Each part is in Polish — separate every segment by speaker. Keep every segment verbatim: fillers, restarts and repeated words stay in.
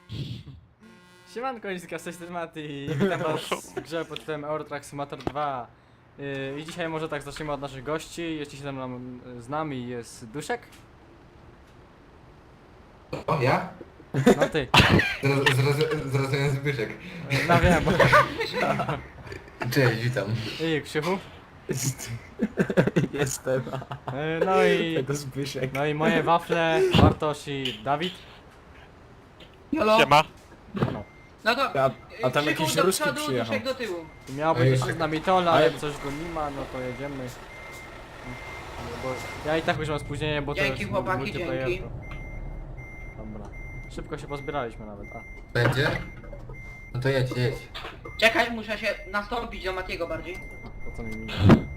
Speaker 1: Siemanko, Niska, z tej strony Mati i witam was w grze pod tytułem Euro Truck Simulator dwa. Yy, I dzisiaj może tak zaczniemy od naszych gości. Jeśli się nam, z nami jest Duszek.
Speaker 2: O, ja?
Speaker 1: No ty.
Speaker 2: Zrozumiałem Zbyszek.
Speaker 1: Yy, No wiem, bo...
Speaker 2: Cześć, witam.
Speaker 1: I Krzychu.
Speaker 3: Jestem.
Speaker 1: Yy, No i...
Speaker 3: To Zbyszek.
Speaker 1: No i moje wafle, Bartosz i Dawid.
Speaker 4: Jolo.
Speaker 5: Siema.
Speaker 1: No.
Speaker 4: No to
Speaker 3: A, a tam
Speaker 4: Krzyku
Speaker 3: jakiś
Speaker 4: do
Speaker 3: ruski
Speaker 4: przodu,
Speaker 3: przyjechał.
Speaker 4: Duszek do tyłu.
Speaker 1: Miał
Speaker 2: Ej,
Speaker 1: być jeszcze z nami Tola, ale
Speaker 3: ale-
Speaker 1: jak coś go nie ma, no to jedziemy. Bo ja i tak już mam spóźnienie, bo to
Speaker 4: Dzięki,
Speaker 1: jest
Speaker 4: chłopaki,
Speaker 1: multiplayer.
Speaker 4: dzięki.
Speaker 1: Dobra. Szybko się pozbieraliśmy nawet, a.
Speaker 2: Będzie? No to jedź, jedź.
Speaker 4: Czekaj, muszę się nastąpić do Matiego bardziej.
Speaker 1: Po co mi minie?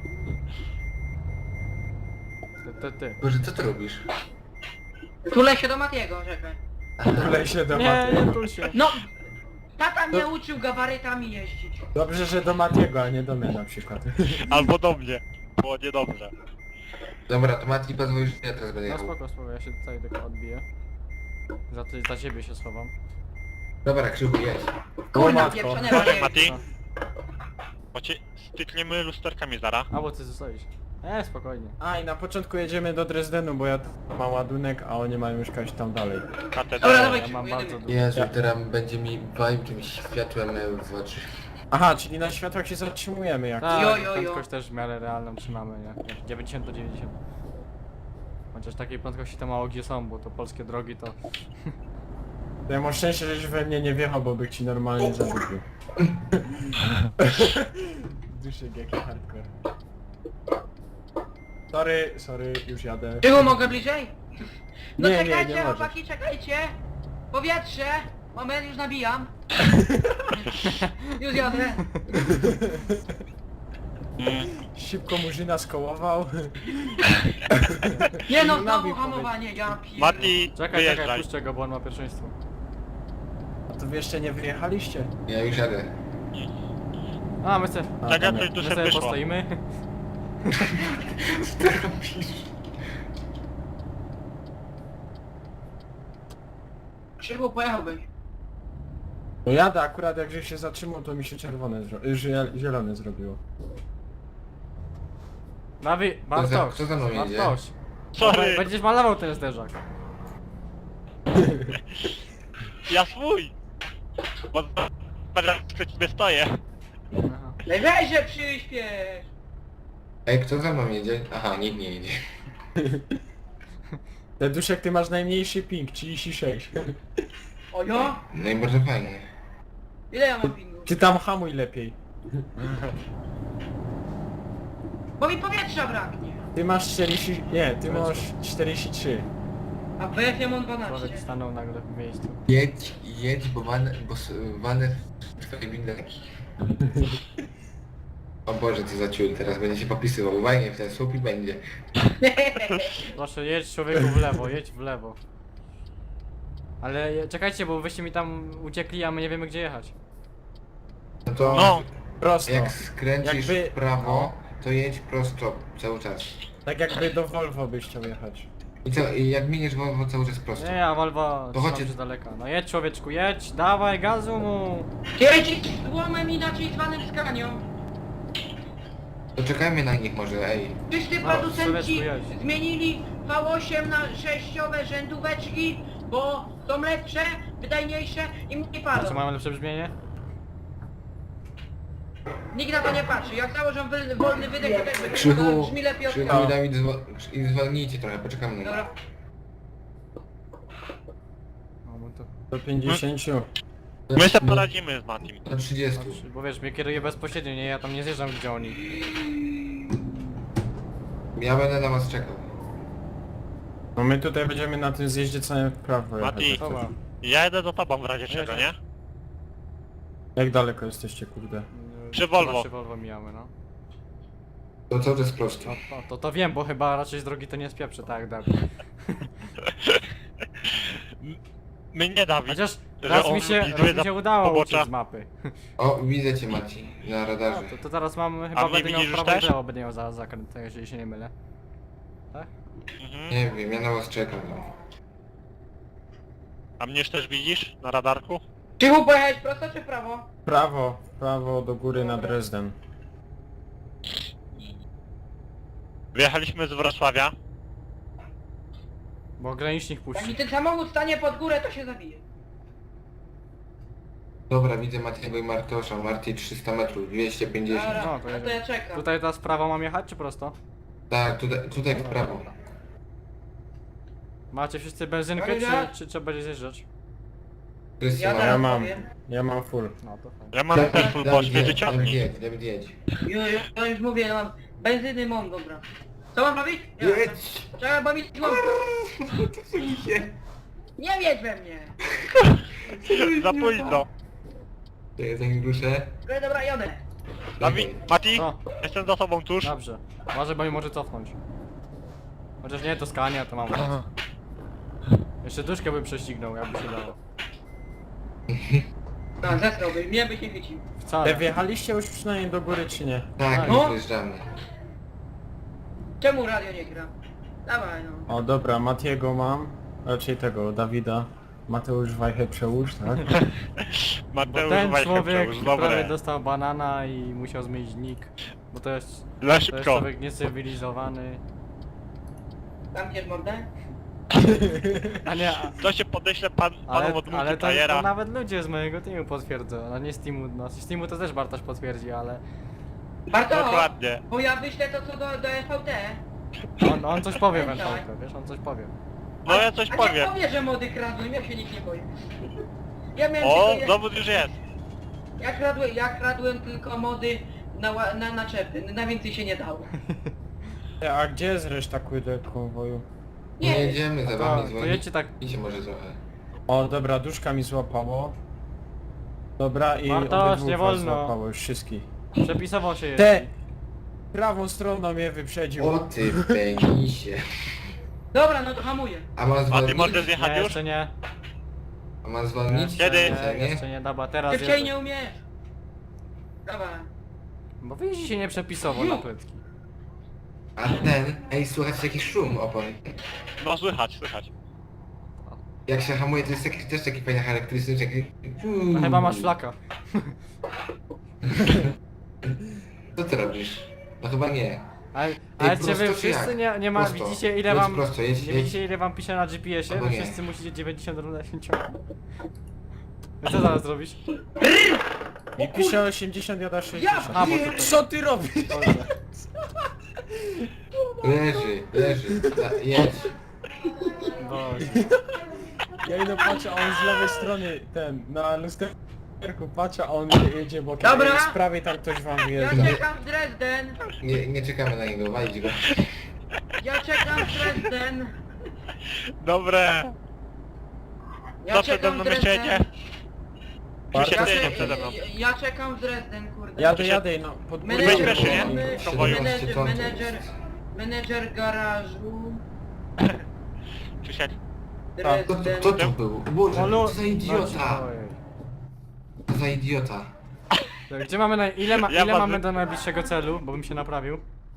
Speaker 1: Ty, ty, ty.
Speaker 2: Boże, co ty robisz?
Speaker 4: Tulę się do Matiego, czekaj.
Speaker 3: Tulej się do
Speaker 1: Nie,
Speaker 3: Matiego.
Speaker 1: nie tu się.
Speaker 4: No! Tata mnie uczył gabarytami jeździć.
Speaker 3: Dobrze, że do Matiego, a nie do mnie na przykład.
Speaker 5: Albo do mnie. Było niedobrze.
Speaker 2: Dobra, to Mati pozwól, że ja teraz będę
Speaker 1: No
Speaker 2: jechał.
Speaker 1: spoko, spoko, ja się tutaj tylko odbiję. Za, ty, za ciebie się schowam.
Speaker 2: Dobra, Krzychu, jedź.
Speaker 4: Kurna,
Speaker 3: matko.
Speaker 4: pieprzone
Speaker 5: Chodź,
Speaker 4: bajery.
Speaker 5: Mati.
Speaker 1: No.
Speaker 5: Bo cię stykniemy lusterkami zara.
Speaker 1: A bo ty zostawisz. E, spokojnie.
Speaker 3: A i na początku jedziemy do Dresdenu, bo ja tu mam ładunek, a oni mają mieszkać tam dalej.
Speaker 4: Dobra,
Speaker 5: Katedra.
Speaker 4: dawaj.
Speaker 1: Ja mam
Speaker 4: jedymy.
Speaker 1: bardzo dużo.
Speaker 2: Jezu,
Speaker 3: Ja-
Speaker 2: teraz będzie mi walił czymś światłem w oczy.
Speaker 3: Aha, czyli na światłach się zatrzymujemy jak.
Speaker 1: Tak,
Speaker 4: Jo, jo, jo.
Speaker 1: prędkość też w miarę realną trzymamy, nie? dziewięćdziesiąt do dziewięćdziesięciu. Chociaż takiej prędkości to mało gdzie są, bo to polskie drogi to...
Speaker 3: To ja mam szczęście, żeś we mnie nie wjechał, bo bych ci normalnie zadupił. Duszek, jaki hardcore. Sorry, sorry, już jadę.
Speaker 4: Krzyku, mogę bliżej? No
Speaker 3: Nie, nie,
Speaker 4: czekajcie,
Speaker 3: nie możesz.
Speaker 4: chłopaki, czekajcie. Powietrze. Moment, już nabijam. Już jadę.
Speaker 3: Szybko murzyna skołował.
Speaker 4: Nie no,
Speaker 3: Nabił
Speaker 4: znowu
Speaker 3: powiedz.
Speaker 4: hamowanie, ja pier...
Speaker 5: Mati,
Speaker 1: Czekaj, czekaj,
Speaker 5: wyjeżdżaj.
Speaker 1: puszczę go, bo on ma pierwszeństwo.
Speaker 3: A to wy jeszcze nie wyjechaliście?
Speaker 2: Ja już jadę.
Speaker 1: A, my se...
Speaker 3: A,
Speaker 5: Czekaj,
Speaker 3: tam
Speaker 5: coś
Speaker 3: jak-
Speaker 1: My
Speaker 5: tu się
Speaker 1: sobie
Speaker 5: wyszło.
Speaker 1: postoimy.
Speaker 2: Co ty robisz?
Speaker 4: Krzyku, pojechałbyś.
Speaker 3: No jadę, akurat jak żeś się zatrzymał, to mi się czerwone, zro... y, zie- zielone zrobiło.
Speaker 1: Nawi... Bartosz,
Speaker 2: kto za mną jedzie?
Speaker 1: Bartosz.
Speaker 5: Sorry,
Speaker 1: Będziesz malował ten zderzak.
Speaker 5: ja swój. Bo teraz przed ciebie stoję.
Speaker 1: Aha.
Speaker 4: Weź się przyśpiesz.
Speaker 2: Ej, kto za mną jedzie? Aha, nikt nie jedzie.
Speaker 3: Te Duszek, ty masz najmniejszy ping, trzydzieści sześć.
Speaker 4: Ojo,
Speaker 2: No i bardzo fajnie.
Speaker 4: ile ja mam pingu?
Speaker 3: Ty tam hamuj lepiej.
Speaker 4: Bo mi powietrza braknie.
Speaker 3: Ty masz czterdzieści... nie, ty masz czterdzieści trzy.
Speaker 4: A w B F mam
Speaker 1: Człowiek
Speaker 4: dwanaście.
Speaker 1: stanął nagle w miejscu.
Speaker 2: Jedź, jedź, bo van, bo s- vanę w twojej windarki. O Boże, co za ciul, teraz będzie się popisywał. Uwagnie w ten słup i będzie.
Speaker 1: Proszę, jedź człowieku w lewo, jedź w lewo. Ale je- czekajcie, bo wyście mi tam uciekli, a my nie wiemy gdzie jechać.
Speaker 2: No to
Speaker 5: No,
Speaker 3: Prosto.
Speaker 2: jak skręcisz
Speaker 3: Jakby-
Speaker 2: w prawo, to jedź prosto cały czas.
Speaker 3: Tak jakby do Volvo byś chciał jechać.
Speaker 2: I co, i jak miniesz Volvo cały czas prosto.
Speaker 1: Nie, a Volvo
Speaker 2: To
Speaker 1: trzymam
Speaker 2: chodźcie.
Speaker 1: się z daleka. No jedź człowieczku, jedź, dawaj gazu mu!
Speaker 4: Jedź złomem inaczej zwanym skanią.
Speaker 2: To czekajmy na nich może, ej.
Speaker 4: Wszyscy
Speaker 1: No,
Speaker 4: producenci
Speaker 1: Sylwestru, jedź.
Speaker 4: zmienili V osiem na sześciowe rzędóweczki, bo są lepsze, wydajniejsze i mniej
Speaker 1: A co,
Speaker 4: palą.
Speaker 1: mamy lepsze brzmienie?
Speaker 4: Nikt na to nie patrzy. Jak założą wy, wolny wydech, to też będzie
Speaker 2: Krzychu,
Speaker 4: brzmi lepiej od
Speaker 2: Krzychu i Dawid zwo- i zwolnijcie trochę, poczekamy na nich.
Speaker 4: Dobra.
Speaker 1: No, bo to...
Speaker 3: Do pięćdziesięciu.
Speaker 5: my sobie poradzimy z Matim.
Speaker 2: Do trzydziestu.
Speaker 1: Znaczy, bo wiesz, mnie kieruje bezpośrednio, nie? Ja tam nie zjeżdżam gdzie oni.
Speaker 2: Ja będę na was czekał.
Speaker 3: No my tutaj będziemy na tym zjeździe całym w prawo jechać.
Speaker 5: Mati.
Speaker 3: jak coś.
Speaker 1: Dobra.
Speaker 5: Ja jedę do tobą w razie czego, nie?
Speaker 3: Jak daleko jesteście, kurde?
Speaker 5: Przy Volvo.
Speaker 1: Przy Volvo mijamy, no.
Speaker 2: To cały czas prosto.
Speaker 1: No to, to, to wiem, bo chyba raczej z drogi to nie spieprzę, tak jak Dawid.
Speaker 5: My nie Dawid.
Speaker 1: Chociaż
Speaker 5: Że
Speaker 1: raz
Speaker 5: on
Speaker 1: mi się,
Speaker 5: lubi
Speaker 1: raz mi
Speaker 5: za
Speaker 1: się udało
Speaker 5: pobocza.
Speaker 1: uciec z mapy.
Speaker 2: O, widzę cię Maci, na
Speaker 1: No,
Speaker 2: radarze.
Speaker 1: to, to teraz mam, chyba
Speaker 5: A mnie
Speaker 1: będę miał
Speaker 5: widzisz
Speaker 1: prawo
Speaker 5: już
Speaker 1: i
Speaker 5: też?
Speaker 1: lewo, będę miał za zakręt, jeżeli się nie mylę. Tak?
Speaker 5: Mhm.
Speaker 2: Nie wiem, ja na was czekam. No.
Speaker 5: A mnie już też widzisz na radarku?
Speaker 4: Krzychu, pojechałeś prosto czy w prawo?
Speaker 3: Prawo, prawo do góry na Dresden.
Speaker 5: Wyjechaliśmy z Wrocławia.
Speaker 1: Bo granicznik
Speaker 4: Jak
Speaker 1: puści.
Speaker 4: mi ten samochód stanie pod górę, to się zabije.
Speaker 2: Dobra, widzę Matiego i Martosza. Marty trzysta metrów, dwieście pięćdziesiąt.
Speaker 4: Dobra,
Speaker 1: No,
Speaker 4: no
Speaker 1: to
Speaker 4: to,
Speaker 1: jedziemy.
Speaker 4: ja czekam.
Speaker 1: Tutaj teraz prawo mam jechać, czy prosto?
Speaker 2: Tak, tutaj, tutaj w prawo.
Speaker 1: Macie wszyscy benzynkę,
Speaker 4: Dobra.
Speaker 1: czy, czy trzeba będzie zjeżdżać?
Speaker 2: Wszyscy
Speaker 4: Ja
Speaker 2: mają.
Speaker 3: Ja
Speaker 4: teraz
Speaker 3: mam,
Speaker 4: powiem.
Speaker 3: ja mam full.
Speaker 1: No to fajnie.
Speaker 5: Ja mam też full, bo
Speaker 2: Dawid
Speaker 5: mnie
Speaker 2: jedź,
Speaker 5: wyciągnij.
Speaker 2: Dawid jedź, Dawid jedź.
Speaker 4: Ju, ju, ja już mówię, ja mam benzyny mam, dobra. Co mam robić? Ja,
Speaker 2: Jedź!
Speaker 4: Czekaj, bo mi złam. Nie wiedz we mnie.
Speaker 5: Za późno.
Speaker 2: To jest zanim ruszę.
Speaker 4: Dobra, dobra, jadę.
Speaker 5: Dawid, Mati,
Speaker 1: Co?
Speaker 5: jestem za tobą tuż.
Speaker 1: Dobrze. Uważaj, bo mi może cofnąć. Chociaż nie, to Scania, to mam. Jeszcze duszkę bym prześcignął, jakby się dało.
Speaker 4: No, zesrałby, mnie by się chwycił.
Speaker 1: Wcale.
Speaker 3: E, wjechaliście już przynajmniej do góry, czy nie?
Speaker 2: Tak,
Speaker 4: No.
Speaker 2: już wyjeżdżamy.
Speaker 4: Czemu radio nie gra? Dawaj no.
Speaker 3: O dobra, Matiego mam. Raczej tego, Dawida. Mateusz Wajchę przełóż, tak?
Speaker 1: Bo
Speaker 5: Mateusz
Speaker 1: ten
Speaker 5: Wajchę
Speaker 1: człowiek
Speaker 5: już,
Speaker 1: prawie
Speaker 5: dobre.
Speaker 1: dostał banana i musiał zmienić nick. Bo to jest,
Speaker 5: Za
Speaker 1: to jest
Speaker 5: szybko.
Speaker 1: człowiek niecywilizowany.
Speaker 4: Zamkniesz mordę?
Speaker 1: A nie, a,
Speaker 5: To się podeślę pan,
Speaker 1: ale,
Speaker 5: panom od
Speaker 1: ale to, to
Speaker 5: multiplayera.
Speaker 1: nawet ludzie z mojego teamu potwierdzą. No nie z teamu, no z teamu to też Bartosz potwierdzi, ale
Speaker 4: Barto,
Speaker 5: Dokładnie.
Speaker 4: bo ja wyślę to co do, do S V T.
Speaker 1: on, on coś powie w
Speaker 4: Dawaj.
Speaker 1: Enchałkę, wiesz, on coś powie.
Speaker 5: No ja coś
Speaker 4: A
Speaker 5: powiem.
Speaker 4: nie powie, że mody kradłem, ja się nikt nie boję. Ja miałem
Speaker 5: O,
Speaker 4: tylko, ja,
Speaker 5: dowód już jest.
Speaker 4: ja, kradłem, ja kradłem tylko mody na, ła- na naczepy, na więcej się nie dało.
Speaker 3: E, A gdzie jest reszta kurde konwoju?
Speaker 2: Nie
Speaker 4: Nie,
Speaker 2: jedziemy za
Speaker 1: To,
Speaker 2: wami
Speaker 1: to
Speaker 2: dzwonić.
Speaker 1: jedźcie tak,
Speaker 2: Idźcie może trochę.
Speaker 3: O dobra, duszka mi złapało. Dobra i
Speaker 1: Bartosz,
Speaker 3: obydwóch
Speaker 1: nie
Speaker 3: was
Speaker 1: wolno.
Speaker 3: złapało już wszystkich.
Speaker 1: przepisowo się
Speaker 3: Te!
Speaker 1: jeździ.
Speaker 3: Prawą stroną mnie wyprzedził.
Speaker 2: O ty penisie.
Speaker 4: dobra, no to hamuję.
Speaker 2: A mam
Speaker 5: A ty
Speaker 2: zwolnić?
Speaker 5: możesz zjechać
Speaker 1: Nie,
Speaker 5: już?
Speaker 1: jeszcze nie.
Speaker 2: A mam zwolnić?
Speaker 5: Kiedy?
Speaker 1: Nie,
Speaker 2: Nie?
Speaker 1: jeszcze nie, dobra, teraz
Speaker 4: Szybciej
Speaker 1: jeżdżę.
Speaker 4: nie umiesz. Dawaj.
Speaker 1: Bo wy jeździcie nieprzepisowo na płytki.
Speaker 2: A ten, ej, słuchajcie jaki szum opon.
Speaker 5: No słychać, słychać.
Speaker 2: Jak się hamuje, to jest taki, też taki fajny charakterystyczny, taki...
Speaker 1: No chyba masz flaka.
Speaker 2: Co ty robisz? No chyba nie.
Speaker 1: Ale, ale czy
Speaker 2: prosto
Speaker 1: wy
Speaker 2: czy
Speaker 1: wszyscy
Speaker 2: jak?
Speaker 1: nie, nie ma,
Speaker 2: Prosto.
Speaker 1: widzicie ile
Speaker 2: Jedź
Speaker 1: wam,
Speaker 2: prosto, jedź,
Speaker 1: nie
Speaker 2: jedź.
Speaker 1: widzicie ile wam pisze na G P S-ie?
Speaker 2: Albo
Speaker 1: Wy
Speaker 2: nie.
Speaker 1: wszyscy musicie dziewięćdziesiąt równych ciągnąć. No co zaraz zrobisz?
Speaker 3: Mi pisze osiemdziesiąt, ja da sześćdziesiąt.
Speaker 1: A, bo to
Speaker 3: Co ty robisz?
Speaker 1: Boże.
Speaker 2: Leży, leży. Da, jedź.
Speaker 1: Boże.
Speaker 3: Ja idę patrzę, a on z lewej strony, ten, na lusterku patrzę, a on jedzie bokiem.
Speaker 4: Dobra.
Speaker 3: Z prawej tam ktoś wam
Speaker 4: Ja
Speaker 3: wyjeżdża.
Speaker 4: czekam w Dresden.
Speaker 2: Nie, nie czekamy na niego, walić go.
Speaker 4: Ja czekam w Dresden.
Speaker 5: Dobre.
Speaker 4: Ja
Speaker 5: Co przede
Speaker 4: czekam
Speaker 5: mną
Speaker 4: w
Speaker 5: jeszcze jedzie?
Speaker 4: Dresden.
Speaker 5: Krzysiek
Speaker 4: Ja,
Speaker 5: jedzie
Speaker 4: cze-
Speaker 5: przede mną.
Speaker 4: ja, ja czekam w Dresden, kurde.
Speaker 3: Jadę, jadę, no, pod
Speaker 5: Weź
Speaker 4: Menedżer,
Speaker 5: pierwszy, nie?
Speaker 4: my-
Speaker 5: W konwoju.
Speaker 4: menedżer,
Speaker 2: ton to
Speaker 4: menedżer,
Speaker 2: jest.
Speaker 4: menedżer garażu.
Speaker 5: Krzysiek.
Speaker 2: Kto,
Speaker 4: Dresden.
Speaker 2: kto to był? Boże,
Speaker 1: Olu-
Speaker 2: co za idiota!
Speaker 1: Ojej.
Speaker 2: Co za idiota.
Speaker 1: To Gdzie mamy na, ile, ma,
Speaker 5: Ja
Speaker 1: ile
Speaker 5: mam-
Speaker 1: mamy do najbliższego celu, bo bym się naprawił?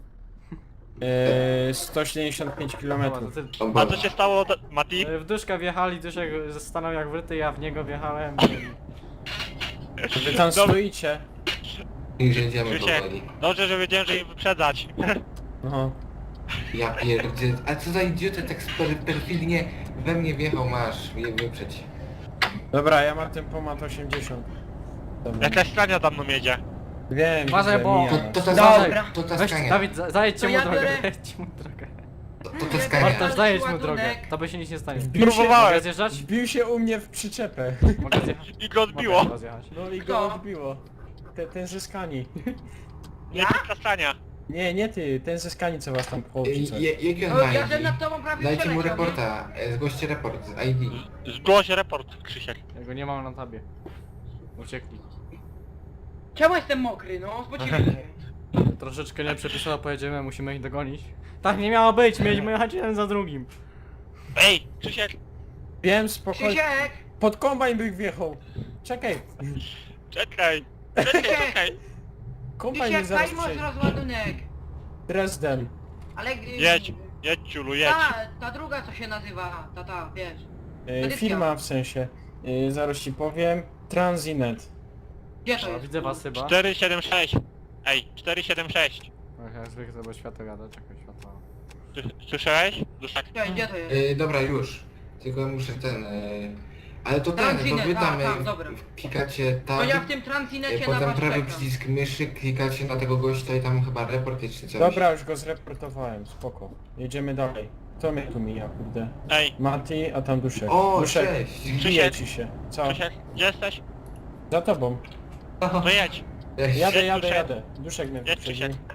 Speaker 3: Eee, sto siedemdziesiąt pięć
Speaker 1: Dobra,
Speaker 3: kilometrów.
Speaker 1: to ty,
Speaker 2: O
Speaker 5: A
Speaker 2: Boże.
Speaker 5: co się stało, da- Mati?
Speaker 1: e, w duszka wjechali, duszek stanął jak wryty, ja w niego wjechałem.
Speaker 3: Wy tam
Speaker 5: Dobra.
Speaker 3: stoicie.
Speaker 2: Już jedziemy
Speaker 5: Krzysiek,
Speaker 2: powoli.
Speaker 5: dobrze, że wiedziałem, że ich wyprzedzać.
Speaker 3: No.
Speaker 2: Ja pierdzie... A co za idiota tak per, perfidnie we mnie wjechał, masz je wyprzeć.
Speaker 3: Dobra, ja mam tempomat osiemdziesiąt. Dobra.
Speaker 5: Jakaś strania za mną jedzie.
Speaker 3: Wiem,
Speaker 1: Uważaj,
Speaker 3: widzę,
Speaker 1: bo-
Speaker 3: mija.
Speaker 2: To, to ta
Speaker 4: Dobra.
Speaker 2: to ta
Speaker 1: Weź,
Speaker 2: skania.
Speaker 1: Dawid, za- zajedźcie
Speaker 4: To
Speaker 1: mu
Speaker 4: ja
Speaker 1: drogę,
Speaker 4: biorę-
Speaker 1: zajedźcie mu drogę.
Speaker 2: To, to ta
Speaker 4: Ja
Speaker 2: skania.
Speaker 1: Bartosz,
Speaker 4: Ładunek.
Speaker 1: zajedź mu drogę, to by się nic nie stanie.
Speaker 3: Wbił się,
Speaker 5: Próbowałem.
Speaker 1: Mogę zjeżdżać?
Speaker 3: wbił się u mnie w przyczepę.
Speaker 1: Mogę zjechać?
Speaker 5: I go odbiło.
Speaker 1: Mogę zjechać.
Speaker 3: No i
Speaker 4: Kto?
Speaker 3: go odbiło. Ten, ten ze skani.
Speaker 5: Nie taka strania.
Speaker 3: Nie, nie ty, ten ze skani co was tam
Speaker 2: Je-
Speaker 3: połączy.
Speaker 2: je- Jaki on
Speaker 4: O,
Speaker 2: ma
Speaker 4: ja
Speaker 2: I
Speaker 4: ten
Speaker 2: D?
Speaker 4: nad tobą prawie
Speaker 2: Dajcie mu
Speaker 4: przeleciał, nie?
Speaker 2: reporta, e, zgłoście report z I D.
Speaker 5: Zgłoś report, Krzysiek.
Speaker 1: Ja go nie mam na tabie. Uciekli.
Speaker 4: Czemu jestem mokry, no? Spocili się.
Speaker 1: Troszeczkę nieprzepisowo pojedziemy, musimy ich dogonić. Tak nie miało być, mieliśmy jechać jeden za drugim.
Speaker 5: Ej, Krzysiek,
Speaker 3: Wiem, spokojnie.
Speaker 4: Krzysiek!
Speaker 3: Pod kombajn bych wjechał. Czekaj.
Speaker 5: czekaj. Czekaj, czekaj.
Speaker 3: Kombajn mnie
Speaker 4: Krzysiek,
Speaker 3: zaraz
Speaker 4: daj może
Speaker 3: przejdzie.
Speaker 4: rozładunek.
Speaker 3: Dresden.
Speaker 4: Ale... y,
Speaker 5: Jedź, jedź ciulu, jedź.
Speaker 4: Ta, ta druga co się nazywa, ta ta, wiesz. Edycja.
Speaker 3: firma w sensie. Y, zaraz ci powiem. Transinet.
Speaker 4: Gdzie to
Speaker 1: O,
Speaker 4: jest?
Speaker 1: widzę was chyba.
Speaker 5: cztery siedem sześć. Ej, cztery siedem sześć.
Speaker 1: Ach, jak zwykle, bo światło gada, czekaj, światło.
Speaker 5: Sły- Słyszałeś? Duszak.
Speaker 4: Gdzie, gdzie to jest?
Speaker 2: Yy, dobra, już. Tylko muszę ten... Yy... Ale to ten, bo
Speaker 4: Transinet,
Speaker 2: wy tam
Speaker 4: a, tam,
Speaker 2: yy,
Speaker 4: dobra.
Speaker 2: klikacie
Speaker 4: No
Speaker 2: tam,
Speaker 4: ja w tym
Speaker 2: yy,
Speaker 4: transinecie na
Speaker 2: potem
Speaker 4: was
Speaker 2: prawy
Speaker 4: czekam.
Speaker 2: przycisk myszy, klikacie na tego gościa i tam chyba report jest czy coś.
Speaker 3: Dobra, już go zreportowałem, spoko. Jedziemy dalej. Kto mnie tu mija, kurde?
Speaker 5: Ej,
Speaker 3: Mati, a tam Duszek.
Speaker 2: O,
Speaker 3: Duszek,
Speaker 2: cześć!
Speaker 3: bije
Speaker 5: Krzysiek.
Speaker 3: ci się. Co?
Speaker 5: Krzysiek, gdzie jesteś?
Speaker 3: Za tobą.
Speaker 5: No jedź.
Speaker 2: Cześć.
Speaker 3: Jadę,
Speaker 5: Jedź,
Speaker 3: jadę,
Speaker 5: Duszek.
Speaker 3: jadę. Duszek mnie
Speaker 5: Jedź,
Speaker 3: wyprzedził.
Speaker 5: Krzysiek.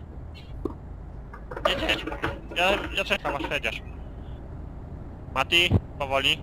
Speaker 5: Jedź, jedź. Ja, ja czekam aż jedziesz. Mati, powoli.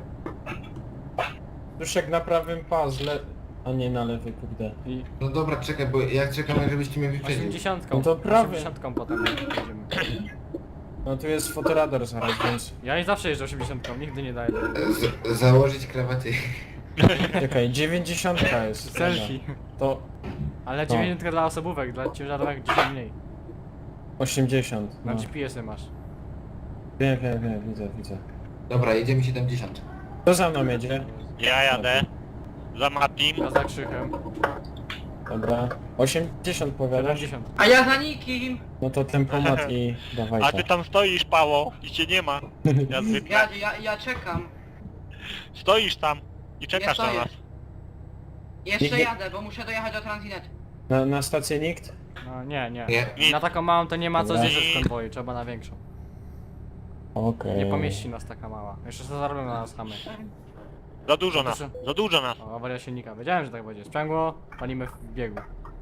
Speaker 3: Duszek na prawym puzzle, a nie na lewy, kurde.
Speaker 1: I
Speaker 2: No dobra, czekaj, bo ja czekam, żebyście mnie wyprzedzili.
Speaker 1: osiemdziesiątką.
Speaker 3: No to prawie.
Speaker 1: osiemdziesiątką potem jedziemy.
Speaker 3: No tu jest fotoradar zaraz, więc...
Speaker 1: Ja i zawsze jeżdżę osiemdziesiątką, nigdy nie daję.
Speaker 2: Z założyć krawaty.
Speaker 3: Czekaj, dziewięćdziesiątka jest. Dobra.
Speaker 1: Selfie.
Speaker 3: To
Speaker 1: Ale dziewięćdziesiątka dla osobówek, dla ciężarówek dzisiaj mniej.
Speaker 3: osiemdziesiąt.
Speaker 1: Na
Speaker 3: No.
Speaker 1: G P S-y masz.
Speaker 3: Wiem, wiem, wiem, widzę, widzę.
Speaker 2: Dobra, jedziemy siedemdziesiąt.
Speaker 3: Kto za mną jedzie?
Speaker 5: Ja jadę. Za Matim.
Speaker 1: Ja za krzychem.
Speaker 3: Dobra. osiemdziesiąt powiadasz?
Speaker 1: siedemdziesiąt.
Speaker 4: A ja za nikim.
Speaker 3: No to tempomat i dawaj
Speaker 5: A ty tam stoisz, Pało, i cię nie ma. Ja zwykle.
Speaker 4: Ja, ja, ja czekam.
Speaker 5: Stoisz tam i czekasz
Speaker 4: Ja
Speaker 5: na
Speaker 4: stoję.
Speaker 5: nas.
Speaker 4: Jeszcze
Speaker 3: Nie- nie-
Speaker 4: jadę, bo muszę dojechać do transinetu.
Speaker 3: Na, na stację nikt?
Speaker 1: No nie, nie.
Speaker 2: Nie.
Speaker 1: Na taką małą to nie ma co
Speaker 3: Dobra.
Speaker 1: zjeżdżać w konwoju, trzeba na większą.
Speaker 3: Okej.
Speaker 1: Nie pomieści nas taka mała. Jeszcze co zarobią na nas chamy.
Speaker 5: Za dużo
Speaker 1: Za
Speaker 5: nas.
Speaker 1: dużo.
Speaker 5: Za dużo nas.
Speaker 1: O, awaria silnika. Wiedziałem, że tak będzie. Sprzęgło, palimy w biegu.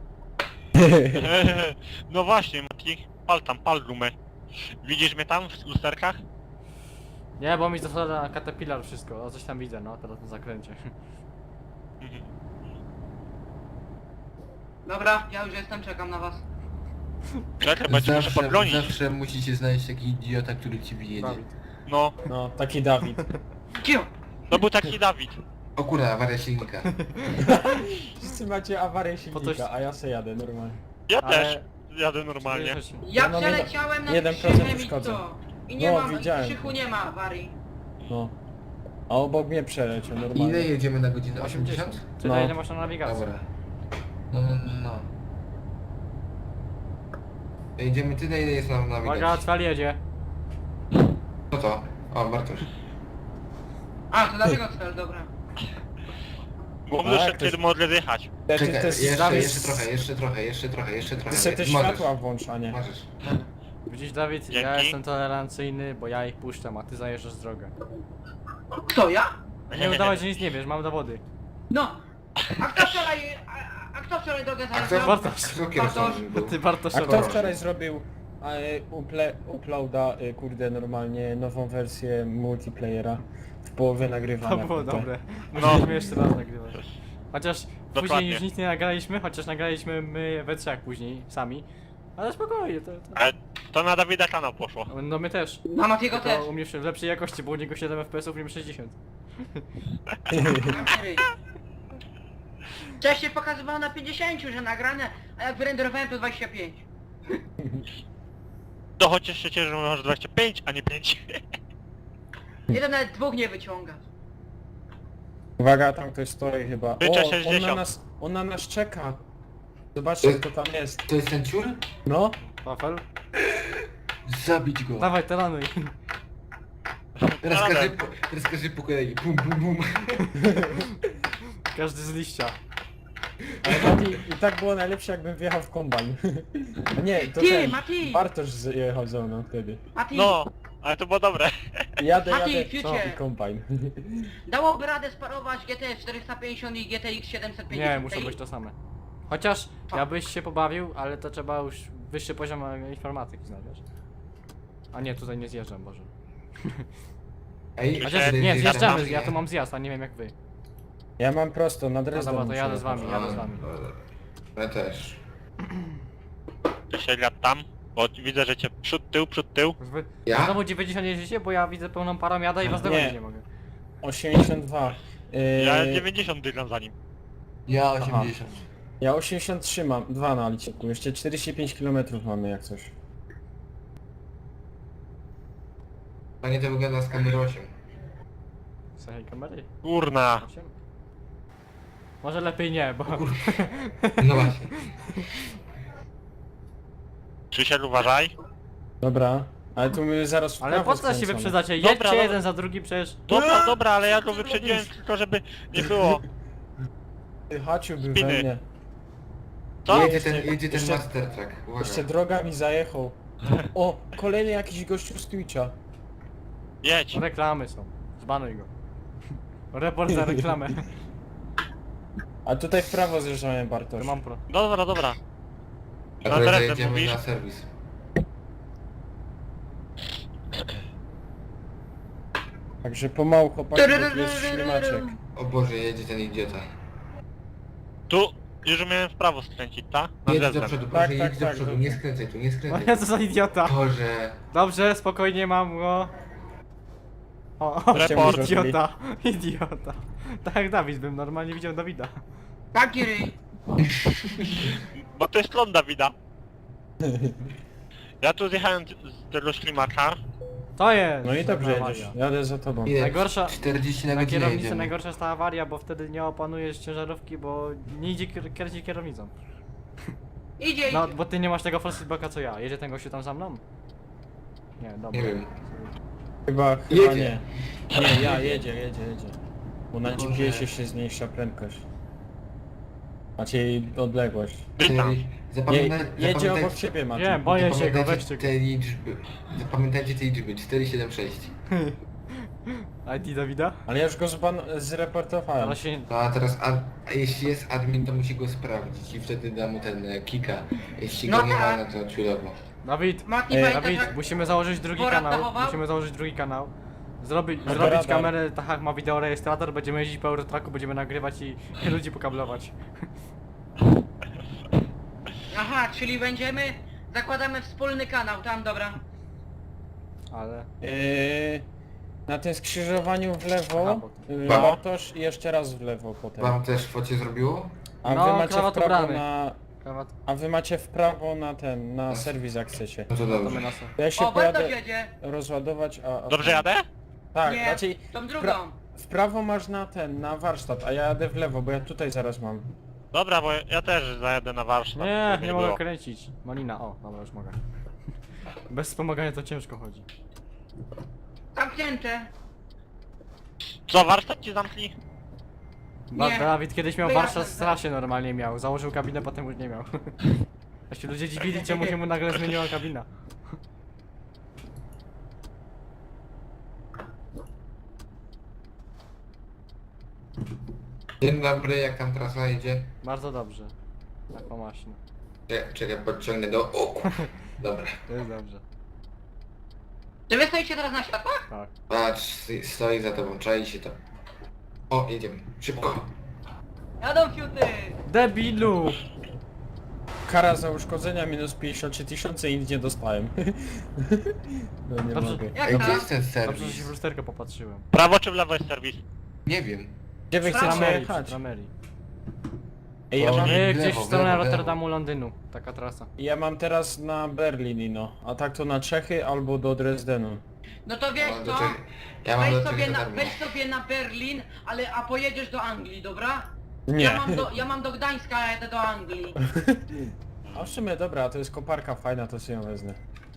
Speaker 5: No właśnie, Mati. Pal tam, pal gumę. Widzisz mnie tam w lusterkach?
Speaker 1: Nie, bo mi zasada Caterpillar wszystko. O, coś tam widzę, no, teraz na zakręcie.
Speaker 4: Dobra, ja już jestem, czekam na was.
Speaker 5: Czekaj, będzie muszę
Speaker 2: Zawsze,
Speaker 5: podgonić.
Speaker 2: zawsze musicie znaleźć taki idiota, który ci wyjedzie.
Speaker 1: Dawid.
Speaker 5: No,
Speaker 3: No, taki Dawid.
Speaker 4: Cio!
Speaker 5: to był taki Dawid.
Speaker 2: O kurwa, awaria silnika.
Speaker 3: Wszyscy macie awarię
Speaker 1: Po coś-
Speaker 3: silnika, a ja se jadę normalnie.
Speaker 5: Ja
Speaker 1: Ale-
Speaker 5: też jadę normalnie.
Speaker 4: Ja
Speaker 3: Ja mam
Speaker 4: przeleciałem nad
Speaker 3: jeden procent
Speaker 4: krzychem i
Speaker 3: uszkodzeń.
Speaker 4: to. I nie
Speaker 3: No,
Speaker 4: mam,
Speaker 3: widziałem.
Speaker 4: w krzychu nie ma awarii.
Speaker 3: No. A obok mnie przeleciał
Speaker 2: Ile
Speaker 3: normalnie.
Speaker 2: jedziemy na godzinę?
Speaker 1: osiemdziesiąt.
Speaker 2: osiemdziesiąt?
Speaker 1: Tyle,
Speaker 3: No.
Speaker 1: ile masz na nawigacji.
Speaker 2: Dobra. No, no, no. Jedziemy tyle, ile jest nam na
Speaker 1: Uwaga,
Speaker 2: nawigacji.
Speaker 1: Cwal jedzie.
Speaker 2: Co to? O, Bartosz.
Speaker 4: A, to dlatego cel, dobra.
Speaker 5: Bo
Speaker 3: A,
Speaker 5: muszę
Speaker 3: jak to
Speaker 5: wtedy modlę jechać.
Speaker 3: Te, ty,
Speaker 2: Czekaj,
Speaker 3: te,
Speaker 2: jeszcze,
Speaker 3: Dawid,
Speaker 2: jeszcze trochę, jeszcze trochę, jeszcze trochę, jeszcze trochę.
Speaker 3: Ty se te
Speaker 2: Możesz,
Speaker 3: światła włącz, a nie.
Speaker 2: Możesz.
Speaker 1: Widzisz, Dawid, ja
Speaker 5: Dzięki.
Speaker 1: jestem tolerancyjny, bo ja ich puszczam, a ty zajeżdżasz drogę.
Speaker 4: Kto, ja?
Speaker 1: Nie udawać, że nic nie wiesz, mam dowody.
Speaker 4: No. A kto wczoraj... A, a kto wczoraj drogę
Speaker 2: A kto,
Speaker 4: zajeżdżał?
Speaker 1: Bartosz.
Speaker 2: kto kierowcą był?
Speaker 1: Ty Bartosz
Speaker 3: A kto
Speaker 1: Szorowa.
Speaker 3: wczoraj zrobił e, uple, uploada, e, kurde, normalnie nową wersję multiplayera w połowie nagrywania?
Speaker 1: To było
Speaker 3: kurde.
Speaker 1: dobre. Musimy jeszcze raz nagrywać. Chociaż później
Speaker 5: Dokładnie.
Speaker 1: już nic nie nagraliśmy, chociaż nagraliśmy my we trzech później, sami. Ale spokojnie, to... to...
Speaker 5: Ale to na Dawida kanał poszło.
Speaker 1: No my też.
Speaker 4: Na Matiego też.
Speaker 1: Tylko u mnie w lepszej jakości, bo u niego siedem F P S-ów, u mnie sześćdziesiąt.
Speaker 4: Wcześniej pokazywało na pięćdziesiąt, że nagrane, a jak wyrenderowałem to dwadzieścia pięć.
Speaker 5: To chociaż się cieszę, że masz dwadzieścia pięć, a nie pięć.
Speaker 4: Jeden nawet dwóch nie wyciąga.
Speaker 3: Uwaga, tam ktoś stoi chyba.
Speaker 5: Życzę
Speaker 3: O, on na
Speaker 5: sześćdziesiąt.
Speaker 3: nas, on na nas czeka. Zobaczcie, kto tam jest.
Speaker 2: To jest ten ciur?
Speaker 3: No,
Speaker 1: Wafel?
Speaker 2: Zabić go.
Speaker 1: Dawaj, taranuj.
Speaker 2: Teraz
Speaker 5: Dobra.
Speaker 2: każdy, po, teraz każdy po kolei. Bum, bum, bum.
Speaker 1: Każdy z liścia.
Speaker 3: ale Mati, i tak było najlepsze, jakbym wjechał w kombajn. A nie, to
Speaker 4: Ty,
Speaker 3: ten,
Speaker 4: Mati!
Speaker 3: Bartosz jechał ze mną wtedy.
Speaker 4: Mati,
Speaker 5: No, ale to było dobre.
Speaker 3: Jadę,
Speaker 4: Mati,
Speaker 3: jadę
Speaker 4: fiucie.
Speaker 3: i kombajn.
Speaker 4: dałoby radę sparować G T czterysta pięćdziesiąt i G T X siedemset pięćdziesiąt.
Speaker 1: Nie, muszą być to same. Chociaż ja byś się pobawił, ale to trzeba już wyższy poziom informatyki znać, wiesz? A nie, tutaj nie zjeżdżam, Boże.
Speaker 2: Ej,
Speaker 1: Chociaż
Speaker 2: ty-
Speaker 1: nie,
Speaker 2: ty-
Speaker 1: zjeżdżamy,
Speaker 2: ty-
Speaker 1: ja tu mam zjazd, a nie wiem jak wy.
Speaker 3: Ja mam prosto, na
Speaker 1: No
Speaker 3: Dresden
Speaker 1: dobra, to
Speaker 3: muszę
Speaker 1: jadę z
Speaker 3: jechać.
Speaker 1: wami, jadę z wami.
Speaker 2: Ja też.
Speaker 5: Ty się lat tam, bo widzę, że cię przód, tył, przód, tył.
Speaker 1: Wy
Speaker 2: Ja?
Speaker 1: znowu dziewięćdziesiąt jeździcie, bo ja widzę pełną parą jada i was
Speaker 3: Nie.
Speaker 1: dogonić nie mogę.
Speaker 3: osiemdziesiąt dwa. Yy,
Speaker 5: Ja dziewięćdziesiąt dygam za nim.
Speaker 2: Ja osiemdziesiąt.
Speaker 3: ja osiemdziesiąt trzy mam, dwa na liczniku. Jeszcze czterdzieści pięć kilometrów mamy jak coś.
Speaker 2: Panie to wygląda z kamery osiem.
Speaker 1: Słuchaj kamery.
Speaker 5: Kurna.
Speaker 1: osiem? Może lepiej nie, bo...
Speaker 2: No właśnie.
Speaker 5: Krzysiek, uważaj.
Speaker 3: Dobra, ale tu my zaraz w
Speaker 1: Ale
Speaker 3: prawo
Speaker 1: po co się
Speaker 3: skręcamy.
Speaker 1: wyprzedzacie?
Speaker 5: Dobra,
Speaker 1: Jedźcie
Speaker 5: no-
Speaker 1: jeden za drugim przecież.
Speaker 5: Dobra, dobra, ale ja go wyprzedziłem tylko, żeby nie było.
Speaker 3: Ty, Haciu był
Speaker 5: Spiny.
Speaker 3: we mnie.
Speaker 5: Co?
Speaker 2: Jedzie ten, jedzie ten
Speaker 3: Jeszcze-
Speaker 2: Master Track. Uwaga.
Speaker 3: Jeszcze droga mi zajechał. O, kolejny jakiś gościu z Twitcha.
Speaker 5: Jedź.
Speaker 1: Reklamy są. Zbanuj go. Report za reklamę.
Speaker 3: A tutaj w prawo zjeżdżamy,
Speaker 1: To
Speaker 3: Bartosz.
Speaker 1: mam pro.
Speaker 5: Dobra, dobra.
Speaker 2: A
Speaker 5: Na
Speaker 2: teraz
Speaker 5: drewnem
Speaker 2: jedziemy
Speaker 5: mówisz?
Speaker 2: na serwis.
Speaker 3: Także pomału chłopaki, bo tu jest ślimaczek.
Speaker 2: O Boże, jedzie ten idiota.
Speaker 5: Tu już miałem w prawo skręcić, tak? Na
Speaker 2: Jedź do
Speaker 5: drewnem.
Speaker 2: przodu,
Speaker 3: Tak,
Speaker 2: proszę,
Speaker 3: tak,
Speaker 2: jedź do
Speaker 3: tak,
Speaker 2: przodu,
Speaker 3: dobrze.
Speaker 2: nie skręcaj tu, nie
Speaker 1: O
Speaker 2: skręcaj.
Speaker 1: ja co za idiota.
Speaker 2: Boże.
Speaker 1: Dobrze, spokojnie mam go. O, o
Speaker 5: Report.
Speaker 1: idiota. Idiota. Tak jak Dawid bym normalnie widział Dawida.
Speaker 4: Taki ryj.
Speaker 5: Bo to jest klon Dawida. Ja tu zjechałem z tego ślimaka.
Speaker 1: To jest!
Speaker 3: No i dobrze
Speaker 1: awaria.
Speaker 3: jedziesz, jadę za tobą.
Speaker 2: Ile?
Speaker 1: Najgorsza-
Speaker 2: czterdzieści na
Speaker 1: Na
Speaker 2: godzinę
Speaker 1: kierownicy
Speaker 2: jedziemy.
Speaker 1: najgorsza jest ta awaria, bo wtedy nie opanujesz ciężarówki, bo nie idzie kier- kręcić kierownicą.
Speaker 4: Idzie,
Speaker 1: No,
Speaker 4: idzie.
Speaker 1: bo ty nie masz tego false feedbacka co ja. Jedzie ten gościu tam za mną? Nie, dobra.
Speaker 2: Nie wiem.
Speaker 3: Chyba, chyba
Speaker 2: Jedzie.
Speaker 3: nie. Nie, ja, jedzie, jedzie, jedzie. Bo na
Speaker 2: Boże.
Speaker 3: G P S-ie się zmniejsza prędkość. Macie odległość.
Speaker 5: Witam.
Speaker 3: Je,
Speaker 2: Zapamiętaj,
Speaker 3: jedzie
Speaker 2: zapamiętaj,
Speaker 3: obok ciebie, Maciej.
Speaker 1: Nie, boję się go,
Speaker 2: zapamiętajcie
Speaker 1: weźcie go.
Speaker 2: te liczby. Zapamiętajcie te liczby. cztery siedem sześć.
Speaker 1: I D Dawida?
Speaker 3: Ale ja już go zban zreportowałem.
Speaker 1: Ale się...
Speaker 2: No a teraz, a, a jeśli jest admin, to musi go sprawdzić i wtedy da mu ten e, kika. Jeśli
Speaker 4: No
Speaker 2: go nie ma,
Speaker 4: tak.
Speaker 2: no to ciulowo.
Speaker 1: Dawid!
Speaker 4: Mati,
Speaker 3: Ej,
Speaker 4: pamiętasz
Speaker 1: Dawid,
Speaker 4: jak...
Speaker 1: musimy założyć drugi
Speaker 4: Borat
Speaker 1: kanał.
Speaker 4: dachował?
Speaker 1: Musimy założyć drugi kanał. Zrobi,
Speaker 3: Radar.
Speaker 1: zrobić kamerę, tak jak ma wideorejestrator, będziemy jeździć po Eurotracku, będziemy nagrywać i, i ludzi pokablować.
Speaker 4: Aha, czyli będziemy... Zakładamy wspólny kanał, tam, dobra.
Speaker 1: Ale...
Speaker 3: Yy, na tym skrzyżowaniu w lewo,
Speaker 1: Aha, bo
Speaker 3: yy,
Speaker 2: Ba-
Speaker 3: Bartosz i jeszcze raz w lewo potem.
Speaker 2: Wam też focie zrobiło?
Speaker 3: A
Speaker 1: No,
Speaker 3: wy macie w
Speaker 1: krawat
Speaker 3: prawo
Speaker 1: ubrany.
Speaker 3: na...
Speaker 1: Krawat,
Speaker 3: A wy macie w prawo na ten, na serwis jak chcecie.
Speaker 2: No to
Speaker 1: to my
Speaker 2: dobrze.
Speaker 1: na so.
Speaker 3: To ja się
Speaker 4: O, Bartosz
Speaker 3: pojadę
Speaker 4: jedzie.
Speaker 3: rozładować, a... a
Speaker 5: Dobrze jadę?
Speaker 3: Tak,
Speaker 4: Nie,
Speaker 3: raczej
Speaker 4: tą drugą.
Speaker 3: pra w prawo masz na ten, na warsztat, a ja jadę w lewo, bo ja tutaj zaraz mam.
Speaker 5: Dobra, bo ja też zajadę na warsztat.
Speaker 1: Nie,
Speaker 5: żeby
Speaker 1: nie mogę
Speaker 5: było.
Speaker 1: kręcić. Malina, o, dobra, już mogę. Bez wspomagania to ciężko chodzi.
Speaker 4: Zamknięte.
Speaker 5: Co, warsztat ci zamknij?
Speaker 1: Ba
Speaker 4: Nie.
Speaker 1: Dawid kiedyś miał
Speaker 4: Wyjaśnię
Speaker 1: warsztat w
Speaker 4: to.
Speaker 1: strasie normalnie miał. Założył kabinę, potem już nie miał. A się ludzie dziwili, czemu się mu nagle zmieniła kabina.
Speaker 2: Dzień dobry, jak tam trasa idzie?
Speaker 1: Bardzo dobrze. Tak pomaśno.
Speaker 2: Czekaj, czekaj, podciągnę do... O, kur- dobra.
Speaker 1: To jest dobrze.
Speaker 4: Czy wy stoicie teraz na światłach?
Speaker 1: Tak.
Speaker 2: Patrz, st- stoi za tobą, czai się to. O, jedziemy. Szybko.
Speaker 4: Jadą fiuty.
Speaker 1: Debilu!
Speaker 3: Kara za uszkodzenia minus pięćdziesiąt trzy tysiące i nic nie dostałem. No nie
Speaker 1: Dobrze.
Speaker 3: mogę.
Speaker 4: Jak
Speaker 2: Ej,
Speaker 4: to?
Speaker 2: gdzie jest ten
Speaker 1: Dobrze, że się w
Speaker 2: serwis?
Speaker 1: lusterkę popatrzyłem.
Speaker 5: Prawo czy w lewo jest serwis?
Speaker 2: Nie wiem.
Speaker 3: Gdzie wy
Speaker 4: Prawo.
Speaker 3: chcecie
Speaker 1: Tramerii, przy
Speaker 3: jechać?
Speaker 1: Tramerii.
Speaker 3: Ej, ja
Speaker 2: O,
Speaker 3: mam,
Speaker 2: nie.
Speaker 1: Yy,
Speaker 2: w
Speaker 1: gdzieś
Speaker 2: lewo,
Speaker 1: w
Speaker 2: w
Speaker 1: stronę
Speaker 2: lewo, w lewo.
Speaker 1: Rotterdamu, Londynu. Taka trasa.
Speaker 3: ja mam teraz na Berlin, no. A tak to na Czechy albo do Dresdenu.
Speaker 4: No to wiesz
Speaker 2: Ja mam do
Speaker 4: co?
Speaker 2: Czech- Ja mam do
Speaker 4: Weź
Speaker 2: czegoś
Speaker 4: sobie,
Speaker 2: za
Speaker 4: na,
Speaker 2: darmo.
Speaker 4: weź sobie na Berlin, ale a pojedziesz do Anglii, dobra?
Speaker 3: Nie.
Speaker 4: Ja mam do, ja mam do Gdańska, a jadę do Anglii.
Speaker 3: A w sumie dobra, to jest koparka fajna, to sobie ją wezmę.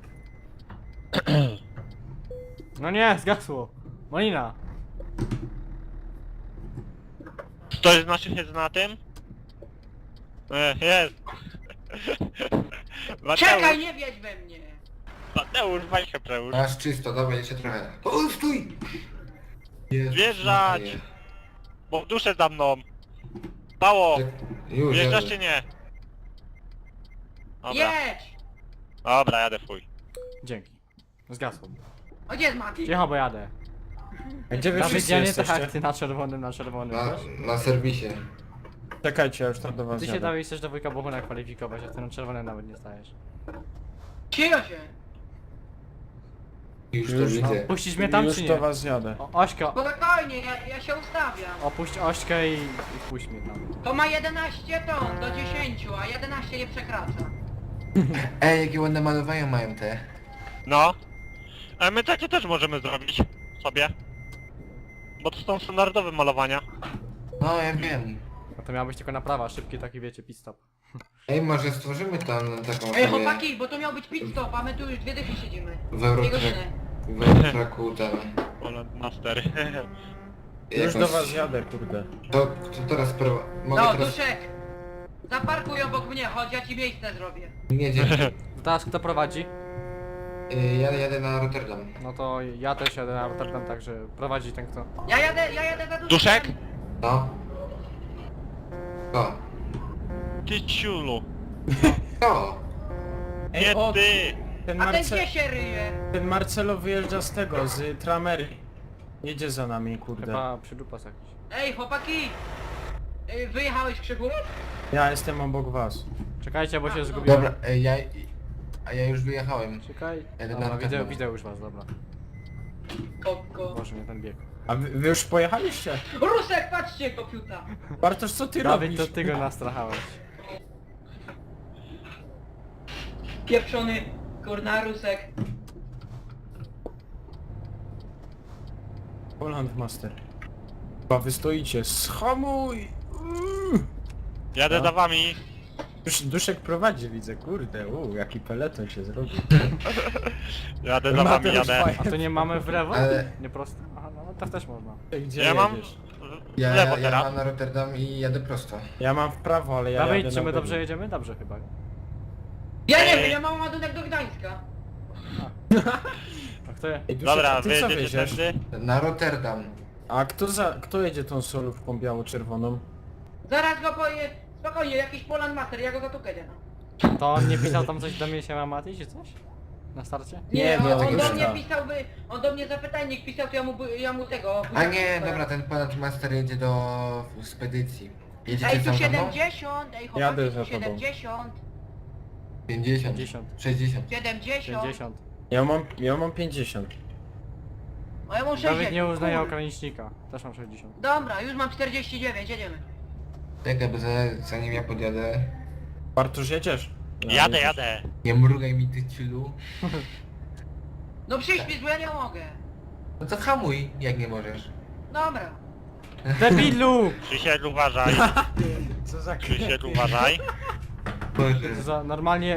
Speaker 1: No nie, zgasło. Malina.
Speaker 5: Ktoś z naszych jest na tym? E, jest.
Speaker 4: Czekaj,
Speaker 5: Mateusz,
Speaker 4: nie wiedź we mnie.
Speaker 5: Mateusz, weź się przełóż.
Speaker 2: Masz czysto, dobra, jeszcze trochę. O, stój! Jezus
Speaker 5: Wjeżdżać!
Speaker 2: Maria.
Speaker 5: Bo w duszę za mną. Mało!
Speaker 2: Tak, Już,
Speaker 5: Wjeżdżasz
Speaker 2: jadę.
Speaker 5: czy nie? Dobra,
Speaker 4: Jedź!
Speaker 5: dobra, jadę fuj.
Speaker 1: Dzięki. Zgasło.
Speaker 4: O, gdzie jest Mati?
Speaker 1: Cicho, bo jadę.
Speaker 3: A gdzie wy
Speaker 1: Dawid,
Speaker 3: wszyscy
Speaker 1: ja nie tak
Speaker 3: jesteście?
Speaker 1: jak ty na czerwonym, na czerwonym,
Speaker 2: Na,
Speaker 1: wiesz?
Speaker 2: na serwisie.
Speaker 3: Czekajcie, ja już tam do was
Speaker 1: Ty się
Speaker 3: jadę.
Speaker 1: Dawid chcesz do wujka Bohuna kwalifikować, a ty na czerwonym nawet nie stajesz.
Speaker 4: Cicho się.
Speaker 2: Już to
Speaker 3: Już,
Speaker 1: No,
Speaker 2: widzę.
Speaker 1: puścisz mnie tam
Speaker 3: Już
Speaker 1: czy
Speaker 3: do
Speaker 1: nie?
Speaker 3: was jadę.
Speaker 1: O, Ośka,
Speaker 4: Spokojnie, ja, ja się ustawiam.
Speaker 1: opuść Ośkę i, i puść mnie tam.
Speaker 4: To ma jedenaście ton do dziesięciu, a jedenaście nie przekracza.
Speaker 2: Ej, jakie ładne malowania mają te.
Speaker 5: No. A my takie też możemy zrobić sobie. bo to są standardowe malowania.
Speaker 2: No ja wiem.
Speaker 1: No to miała być tylko naprawa, szybki taki wiecie, pit stop.
Speaker 2: Ej, może stworzymy tam taką
Speaker 4: Ej
Speaker 2: sobie
Speaker 4: chłopaki, bo to miał być pit stop, a my tu już dwie dychy siedzimy.
Speaker 2: w
Speaker 4: Dwie
Speaker 2: Eurotrack,
Speaker 4: godziny.
Speaker 2: w Eurotracku tam.
Speaker 5: Poland Master.
Speaker 3: Już
Speaker 2: jakąś-
Speaker 3: do was jadę, kurde.
Speaker 2: To, to teraz pro... Mogę
Speaker 4: No,
Speaker 2: teraz...
Speaker 4: Duszek! Zaparkuj obok mnie, chodź, ja ci miejsce zrobię.
Speaker 2: Nie, dzięki.
Speaker 1: Teraz kto prowadzi?
Speaker 2: Y, Ja jadę na Rotterdam.
Speaker 1: No to ja też jadę na Rotterdam, także prowadzi ten kto.
Speaker 4: Ja jadę, ja jadę za Duszkiem.
Speaker 5: Duszek?
Speaker 2: No. To.
Speaker 5: Ty ciulu.
Speaker 2: To.
Speaker 3: Ej,
Speaker 5: Nie
Speaker 3: o,
Speaker 5: ty!
Speaker 3: ten,
Speaker 4: A ten
Speaker 3: Marce...
Speaker 4: gdzie się ryje?
Speaker 3: ten Marcelo wyjeżdża z tego, z Tramery. Jedzie za nami, kurde.
Speaker 1: Chyba przydrupas jakiś.
Speaker 4: Ej chłopaki! Ej, wyjechałeś Krzychu?
Speaker 3: Ja jestem obok was.
Speaker 1: Czekajcie, bo się zgubiłem.
Speaker 2: Dobra, y, ja... A ja już wyjechałem.
Speaker 1: Czekaj.
Speaker 2: Jadę na
Speaker 1: Dobra, widzę,
Speaker 2: Rotterdam.
Speaker 1: widzę już was, dobra.
Speaker 4: Koko.
Speaker 1: Boże mnie ten bieg.
Speaker 3: A wy, wy już pojechaliście?
Speaker 4: Rusek, patrzcie, kopiuta!
Speaker 3: Bartosz, co ty
Speaker 1: Dawid,
Speaker 3: robisz?
Speaker 1: to ty go nastrachałeś.
Speaker 4: Pieprzony, kurna, Rusek.
Speaker 3: Poland Master. Chyba wy stoicie. Schamuj! Uuu.
Speaker 5: Jadę
Speaker 3: No.
Speaker 5: za wami.
Speaker 3: Dusz, Duszek prowadzi, widzę, kurde, uuu, jaki peleton się zrobił.
Speaker 5: Jadę za wami,
Speaker 3: Mateusz
Speaker 5: jadę.
Speaker 3: fajnie.
Speaker 1: A to nie mamy w lewo?
Speaker 2: Ale-
Speaker 1: Nie prosto? Aha, no tak też można.
Speaker 3: Gdzie
Speaker 5: Ja mam
Speaker 3: jedziesz?
Speaker 5: w
Speaker 2: Ja,
Speaker 5: lewo
Speaker 2: ja, ja
Speaker 5: teraz.
Speaker 2: mam na Rotterdam i jadę prosto.
Speaker 3: Ja mam w prawo, ale ja
Speaker 1: Dawid,
Speaker 3: jadę
Speaker 1: czy
Speaker 3: na
Speaker 1: my
Speaker 3: lewo.
Speaker 1: dobrze jedziemy? Dobrze chyba.
Speaker 4: Ja nie
Speaker 5: Ej.
Speaker 4: wiem, ja mam ładunek do Gdańska.
Speaker 1: A kto je?
Speaker 3: Ej, Duszek,
Speaker 5: Dobra,
Speaker 3: a ty co
Speaker 5: wy jedziecie
Speaker 3: wieziesz?
Speaker 5: tędy?
Speaker 2: Na Rotterdam.
Speaker 3: A kto za, kto jedzie tą solówką biało-czerwoną?
Speaker 4: Zaraz go poje... Spokojnie, jakiś Poland Master, ja go zatukę, no.
Speaker 1: To on nie pisał tam coś do mnie się ma Mati, czy coś? Na starcie?
Speaker 4: Nie,
Speaker 3: Nie,
Speaker 4: on,
Speaker 3: no,
Speaker 4: on
Speaker 3: tego
Speaker 4: do
Speaker 3: nie
Speaker 4: mnie
Speaker 3: da.
Speaker 4: pisałby, on do mnie zapytajnik pisał, to ja mu, ja mu tego...
Speaker 2: A nie, dobra, ten ponad master jedzie do spedycji. Jedziecie
Speaker 4: Ej, tu
Speaker 2: tam za mną?
Speaker 4: siedemdziesiąt, ej
Speaker 3: Jadę
Speaker 4: chłopaki,
Speaker 3: za
Speaker 4: tu
Speaker 3: tobą.
Speaker 4: siedemdziesiąt,
Speaker 2: pięćdziesiąt.
Speaker 1: pięćdziesiąt.
Speaker 2: sześćdziesiąt.
Speaker 4: siedemdziesiąt,
Speaker 1: pięćdziesiąt.
Speaker 3: Ja mam, ja mam pięćdziesiąt.
Speaker 4: a ja mam sześćdziesiąt.
Speaker 1: Dawid nie uznaje
Speaker 4: Kur-
Speaker 1: ogranicznika. Też mam sześćdziesiąt.
Speaker 4: Dobra, już mam czterdzieści dziewięć, jedziemy.
Speaker 2: Czekaj, bo za- zanim ja podjadę...
Speaker 3: Bartosz, jedziesz? No,
Speaker 5: Jadę,
Speaker 3: jedziesz.
Speaker 5: jadę.
Speaker 2: Nie mrugaj mi ty ciulu.
Speaker 4: No przyśpisz, bo ja nie mogę.
Speaker 2: No to hamuj, jak nie możesz.
Speaker 4: Dobra.
Speaker 1: Debilu!
Speaker 5: Krzysiek, uważaj.
Speaker 3: Co za
Speaker 5: Krzysiek, uważaj.
Speaker 2: Boże.
Speaker 1: To za normalnie...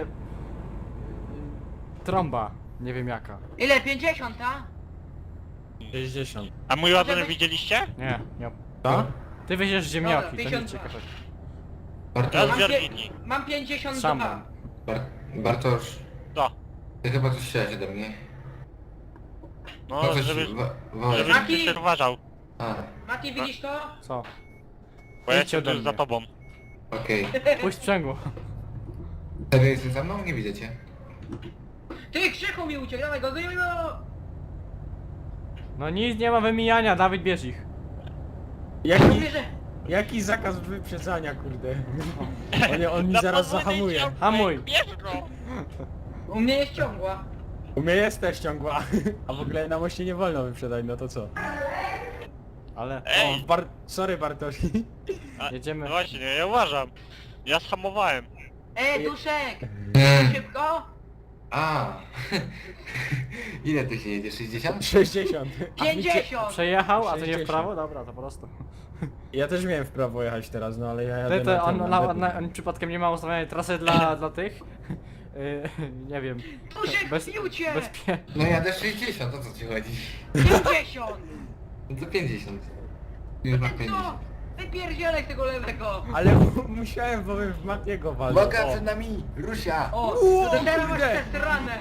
Speaker 1: Trąba. Nie wiem jaka.
Speaker 4: Ile? pięćdziesiąt, a?
Speaker 3: sześćdziesiąt.
Speaker 5: A mój ładunek
Speaker 4: Żeby-
Speaker 5: widzieliście?
Speaker 1: Nie, nie.
Speaker 3: Tak?
Speaker 1: Ty weźiesz ziemniaki, to
Speaker 4: pięćdziesiąt
Speaker 1: nic
Speaker 4: dwa.
Speaker 1: ciekawego.
Speaker 5: Ja
Speaker 2: Bartosz,
Speaker 5: z Wiergini.
Speaker 4: Mam pięćdziesiąt
Speaker 1: Szamban.
Speaker 4: dwa.
Speaker 2: Bar Bartosz,
Speaker 5: To.
Speaker 2: ty chyba coś chciałeś ode mnie.
Speaker 5: No,
Speaker 2: coś
Speaker 5: żebyś,
Speaker 2: wa- wołałeś.
Speaker 5: żebyś
Speaker 4: Mati!
Speaker 5: Krzysiek uważał.
Speaker 2: A,
Speaker 4: Mati, widzisz to?
Speaker 1: Co?
Speaker 5: Bo ja
Speaker 1: Idźcie ode
Speaker 5: jestem tu za
Speaker 1: mnie.
Speaker 5: tobą.
Speaker 2: okej.
Speaker 1: Pójść sprzęgło.
Speaker 2: Serio jesteś za mną? Nie widzicie.
Speaker 4: Ty, Krzychu mi uciekł, dawaj go, go, go.
Speaker 1: No nic nie ma wymijania, Dawid bierz ich.
Speaker 3: Jaki,
Speaker 4: Mówię, że...
Speaker 3: jaki zakaz wyprzedzania, kurde. On, on mi
Speaker 5: Na
Speaker 3: zaraz
Speaker 5: podwójnej
Speaker 3: zahamuje.
Speaker 5: ciągłej,
Speaker 1: Hamuj.
Speaker 5: Bierz go!
Speaker 4: U mnie jest ciągła.
Speaker 3: U mnie jest też ciągła. A w ogóle na moście nie wolno wyprzedać, no to co?
Speaker 1: Ale...
Speaker 3: O,
Speaker 5: Ej!
Speaker 3: Bar Sorry Bartosz.
Speaker 5: A,
Speaker 1: Jedziemy.
Speaker 5: no właśnie, ja uważam. Ja zhamowałem.
Speaker 4: Ej, Duszek!
Speaker 2: Mm.
Speaker 4: Szybko?
Speaker 2: A. Ile ty się jedzie? sześćdziesiąt?
Speaker 3: sześćdziesiąt. A wiecie-
Speaker 4: pięćdziesiąt!
Speaker 1: Przejechał, a to nie w
Speaker 3: sześćdziesiąt.
Speaker 1: prawo? Dobra, to po prostu.
Speaker 3: Ja też miałem w prawo jechać teraz, no ale ja jadę
Speaker 1: Ty, to
Speaker 3: na
Speaker 1: on,
Speaker 3: ten,
Speaker 1: na,
Speaker 3: na
Speaker 1: na, on przypadkiem nie ma ustawionej trasy dla, dla tych? Yy, nie wiem.
Speaker 4: Duszek,
Speaker 1: Bez,
Speaker 4: bił cię!
Speaker 1: bezpie...
Speaker 2: No jadę sześćdziesiąt, o co ci chodzi?
Speaker 4: pięćdziesiąt!
Speaker 2: No to pięćdziesiąt. Już mam
Speaker 4: Co?
Speaker 2: pięćdziesiąt.
Speaker 4: Wypierdzielek tego lewego!
Speaker 3: Ale mu- musiałem, bo bym w Matiego walnął.
Speaker 2: Uwaga,
Speaker 3: O.
Speaker 2: przed nami! Rusia!
Speaker 4: O,
Speaker 3: Uuu,
Speaker 4: to teraz masz
Speaker 3: kurde.
Speaker 4: tę stronę!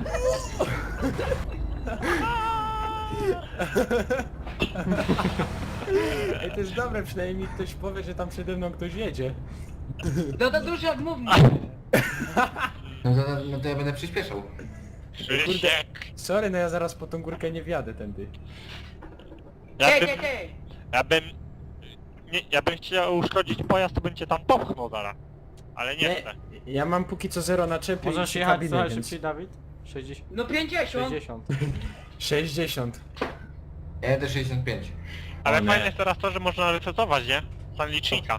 Speaker 3: Ej, to jest dobre, przynajmniej ktoś powie, że tam przede mną ktoś jedzie.
Speaker 4: No to Duszek, mów mi!
Speaker 2: No to, no to ja będę przyspieszał.
Speaker 5: Krzysiek!
Speaker 3: Sorry, no ja zaraz po tą górkę nie wjadę tędy.
Speaker 5: Ja
Speaker 4: Ty,
Speaker 5: bym,
Speaker 4: ty, ty!
Speaker 5: ja bym... Nie, ja bym chciał uszkodzić pojazd, to bym cię tam popchnął zaraz. Ale nie chcę.
Speaker 3: Ja mam póki co zero na czepie i
Speaker 1: Możesz
Speaker 3: trzy
Speaker 1: jechać
Speaker 3: kabiny,
Speaker 1: trochę
Speaker 3: więc...
Speaker 1: szybciej, Dawid? sześćdziesiąt.
Speaker 4: No pięćdziesiąt!
Speaker 1: sześćdziesiąt.
Speaker 3: sześćdziesiąt.
Speaker 2: Ja jadę sześćdziesiąt pięć.
Speaker 5: Ale
Speaker 3: O nie.
Speaker 5: fajne jest teraz to, że można resetować, nie? Stan licznika.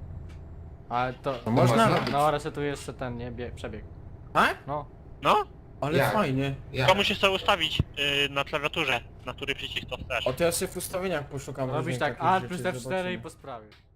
Speaker 1: Ale to...
Speaker 3: To można?
Speaker 2: można?
Speaker 1: No, resetujesz jeszcze ten, nie? Bie, przebieg.
Speaker 3: A?
Speaker 1: No.
Speaker 5: No?
Speaker 3: Ale
Speaker 2: Jak?
Speaker 3: fajnie.
Speaker 2: Ja.
Speaker 5: To musisz sobie ustawić y, na klawiaturze, na który przycisk to chcesz.
Speaker 3: O to ja sobie w ustawieniach poszukam
Speaker 1: Robisz
Speaker 3: różnych
Speaker 1: tak
Speaker 3: takich
Speaker 1: Alt
Speaker 3: rzeczy,
Speaker 1: plus F cztery i
Speaker 3: zobaczymy.
Speaker 1: po sprawie.